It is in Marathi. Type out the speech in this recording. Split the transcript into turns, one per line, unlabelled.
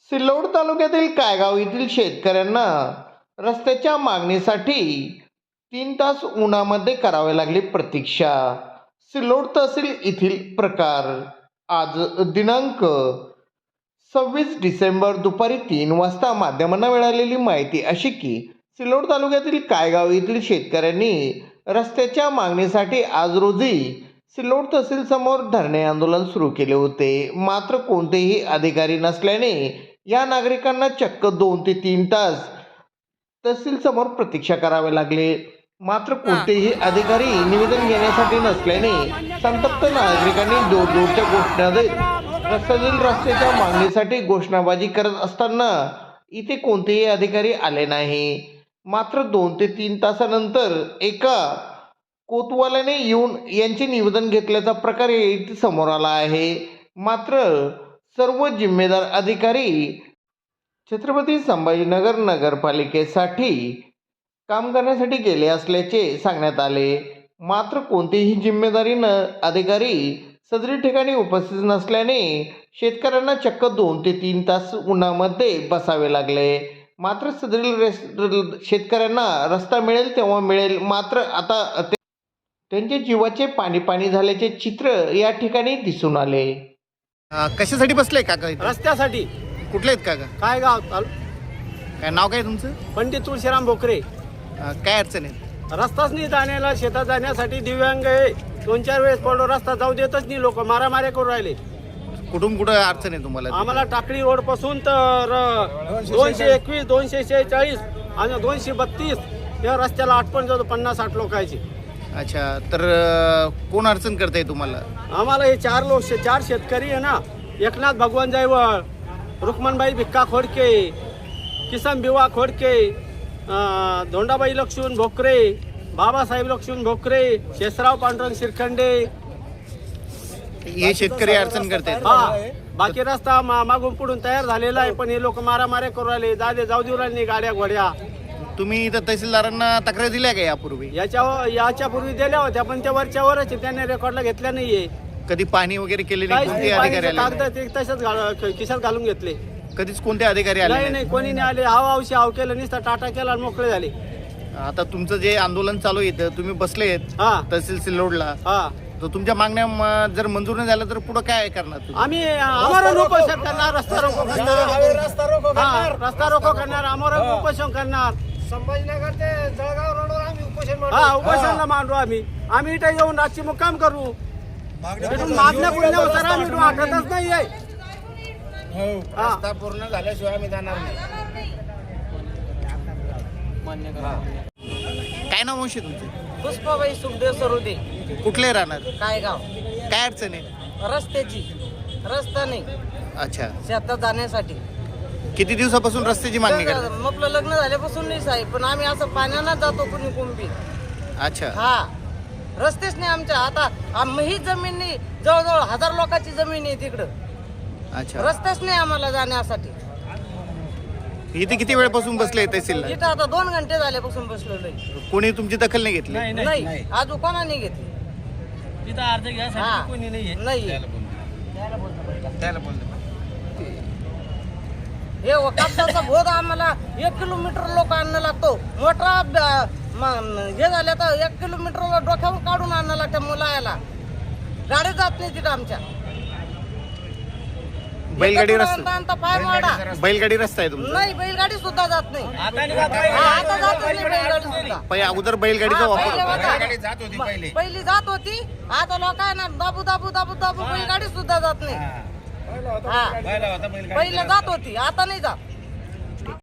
सिल्लोड तालुक्यातील कायगाव येथील शेतकऱ्यांना रस्त्याच्या मागणीसाठी 3 तास उन्हामध्ये करावे लागले प्रतीक्षा. सिल्लोड तहसील येथील प्रकार. आज दिनांक 26 डिसेंबर दुपारी 3 वाजता माध्यमांना मिळालेली माहिती अशी की सिल्लोड तालुक्यातील कायगाव येथील शेतकऱ्यांनी रस्त्याच्या मागणीसाठी आज रोजी सिल्लोड तहसील समोर धरणे आंदोलन सुरू केले होते. मात्र कोणतेही अधिकारी नसल्याने या नागरिकांना चक्क 2 ते 3 तास तहसील समोर प्रतीक्षा करावे लागले. मात्र कोणतेही अधिकारी निवेदन घेण्यासाठी नसल्याने संतप्त नागरिकांनी जोरजोरच्या घोषणा देत रस्त्याच्या मागणीसाठी घोषणाबाजी करत असताना इथे कोणतेही अधिकारी आले नाही. मात्र 2 ते 3 तासानंतर एका कोतवालाने येऊन यांचे निवेदन घेतल्याचा प्रकार इथे समोर आला आहे. मात्र सर्व जिम्मेदार अधिकारी छत्रपती संभाजीनगर नगरपालिकेसाठी काम करण्यासाठी गेले असल्याचे सांगण्यात आले. मात्र कोणतीही जिम्मेदारी अधिकारी सदरी ठिकाणी उपस्थित नसल्याने शेतकऱ्यांना चक्क 2 ते 3 तास उन्हामध्ये बसावे लागले. मात्र सदरील शेतकऱ्यांना रस्ता मिळेल तेव्हा मिळेल, मात्र आता त्यांचे जीवाचे पाणी पाणी झाल्याचे चित्र या ठिकाणी दिसून आले.
कशासाठी बसले काका?
रस्त्यासाठी.
कुठले आहेत काका?
काय गाव?
काय नाव काय तुमचं?
पंडित तुळशीराम भोकरे.
काय अडचण आहे?
रस्ताच नाही जाण्याला, शेतात जाण्यासाठी दिव्यांग आहे. 2-4 वेळेस पडलो, रस्ता जाऊ देतच नाही लोक, मारामाऱ्या करून राहिले.
कुठून कुठं अडचण आहे तुम्हाला?
आम्हाला टाकळी रोड पासून तर 221, 246 आणि 232 या रस्त्याला आटपण जातो 50-60 लोकांची.
अच्छा, तर कोण अडचण करताय तुम्हाला?
आम्हाला हे 4 शेतकरी आहे ना, एकनाथ भगवान जायवळ, रुक्मणबाई भिक्का खोडके, किसन बिवा खोडके, धोंडाबाई लक्ष्मण भोकरे, बाबासाहेब लक्ष्मण भोकरे, शेषराव पांडुरंग शिरखंडे
हे शेतकरी अडचण करतायत.
हा, बाकी रस्ता मागून पुढून तयार झालेला आहे, पण हे लोक मारामाऱ्या करू राहिले, जाऊ देऊ राहिले गाड्या घोड्या.
तुम्ही इथं तहसीलदारांना तक्रार दिल्या का यापूर्वी?
याच्या पूर्वी दिल्या होत्या, पण त्या वरच्या त्यांनी रेकॉर्डला घेतल्या नाहीये.
कधी पाणी वगैरे केले नाही? कोणते अधिकारी आले?
कागद ते तसेच खिशात घालून घेतले.
कधीच कोणते अधिकारी आले
नाही, कोणी नाही आले. हाव केलं, नुसतं टाटा केला आणि मोकळे झाले.
आता तुमचं जे आंदोलन चालू आहे, तुम्ही बसले आहेत
हा
तहसील सिल्लोडला,
हा,
तर तुमच्या मागण्या जर मंजूर नाही झालं तर पुढे काय करणार तुम्ही?
आम्ही आमरण उपोषण करणार, रस्ता रोको करणार, आमरण उपोषण करणार. संभाजीनगर ते जळगाव रोडवर आम्ही उपोषणला मांडू. आम्ही इथे येऊन रातची मुक्काम करू. मागण्या पूर्ण आम्ही वाटतच नाहीये.
रस्ता पूर्ण झाल्याशिवाय आम्ही जाणार नाही.
काय नाव मावशी तुमचे?
पुष्पाबाई सुखदेव सरोदे.
कुठले राहणार?
कायगाव.
काय अडचण आहे?
रस्त्याची. रस्ता नाही
अच्छा,
शेतात जाण्यासाठी.
किती दिवसापासून रस्त्याची मागणी करतात?
आपलं लग्न झाल्यापासून नाही साहेब, पण आम्ही असं पाण्यानं जातो कुणी कुंपी.
अच्छा,
हा, रस्तेच नाही आमच्या. आता ही जमीन नाही, जवळजवळ 1000 लोकांची जमीन आहे तिकडं.
अच्छा.
रस्ताच नाही आम्हाला जाण्यासाठी.
इथे किती वेळपासून बसले तहसीलला?
इथं आता 2 घंटे झाल्यापासून बसलेलो आहे.
कोणी तुमची दखल नाही घेतली?
नाही, आज कोणाने घेतली.
तिथं अर्ज घ्यायसाठी कोणी नाहीये.
नाही. हे कापसाचा भोग आम्हाला 1 किलोमीटर लोक आणणं लागतो. मोठा हे झालं तर 1 किलोमीटर डोक्यावर काढून आणणं लागतं मुलाला. गाडी जात नाही तिथं आमच्या.
बैलगाडी रस्ता?
आणता पाय मोडा.
बैलगाडी रस्ता आहे तुमचा?
नाही, बैलगाडी सुद्धा जात नाही. आता जात नाही बैलगाडी सुद्धा.
पहिले अगोदर बैलगाडीचा वापर होता.
पहिली जात होती. आता लोकांना दाबू बैलगाडी सुद्धा जात नाही. हा, पहिलं जात होती, आता नाही जात.